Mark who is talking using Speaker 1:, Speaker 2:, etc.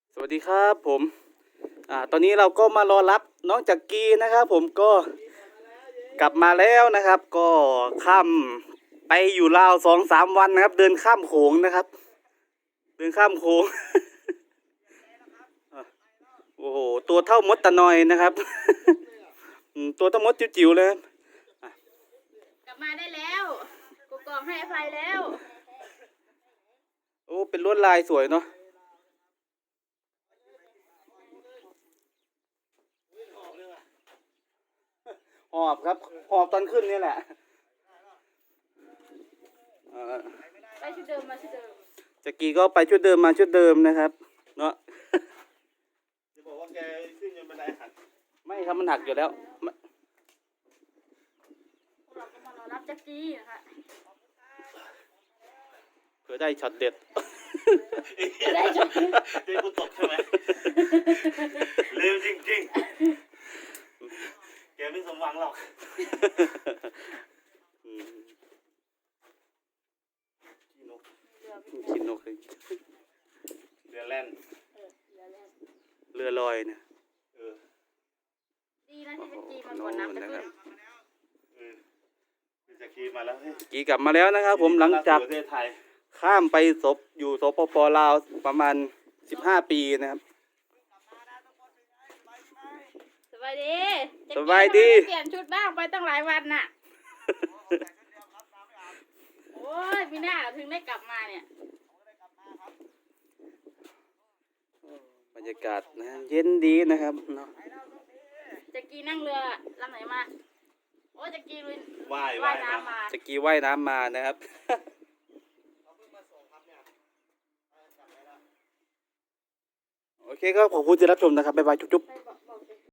Speaker 1: สวัสดีครับผมตอนนี้เราก็มารอรับน้องจักรีนะครับผมก็กลับมาแล้วนะครับ ก็ข้ามไปอยู่ลาว2-3 วันนะครับ เดินข้ามโขงนะครับ เดินข้ามโขง โอ้โหตัวเท่ามดตะนอยนะครับ ตัวเท่ามดจิ๋วๆเลยครับ
Speaker 2: กลับมาได้แล้วกูกองให้อภัยแล้ว
Speaker 1: โอ้เป็นลวดลายสวยเนาะหอบครับหอบตอนขึ้นนี่แหละ
Speaker 2: ไปชุดเดิมมาชุดเดิม
Speaker 1: จักรีก็ไปชุดเดิมมาชุดเดิมนะครับเนาะ
Speaker 3: จะบอกว่าแกขึ้นจนบันไดหัก
Speaker 1: ไม่ครับมันหักอยู่แล้วไม่
Speaker 2: เราก็มารอรับจักรีนะคะ
Speaker 1: เผื่อได้ช็อตเด็ด
Speaker 2: ได้จบ
Speaker 3: เจ๊กูตกใช่ไหมเร็วจริงๆแกไม่สมหวังหรอก
Speaker 1: ขี้นกเลย
Speaker 3: เรือแล่น
Speaker 1: เรือลอยเนี่ย
Speaker 3: เออ
Speaker 2: ดีนะที่จักรีมาก่อนน้ำจะขึ้น
Speaker 3: เออคือจะขี่มาแล้วเฮ้ย
Speaker 1: กีกลับมาแล้วนะครับผมหลังจาก
Speaker 3: ประเทศไทย
Speaker 1: ข้ามไปอยู่สปป.ลาวประมาณ15 ปีนะครับ
Speaker 2: สบายดีจักรี
Speaker 1: สบายดี
Speaker 2: ทำไมไม่เปลี่ยนชุดบ้างไปตั้งหลายวันน่ะโอ้ยพี่หน้าเราถึงได้กลับมาเนี่ย
Speaker 1: บรรยากาศนะเย็นดีนะครับเนาะ
Speaker 2: จักรีนั่งเรือลำไหนมาโอ้ยจักรีลุย
Speaker 3: ว่าย
Speaker 2: ว่ายน้ำมา
Speaker 1: จักรีว่ายน้ำมานะครับ โอเคครับขอบคุณที่รับชมนะครับบ๊ายบายจุ๊บๆ
Speaker 2: ไปบอก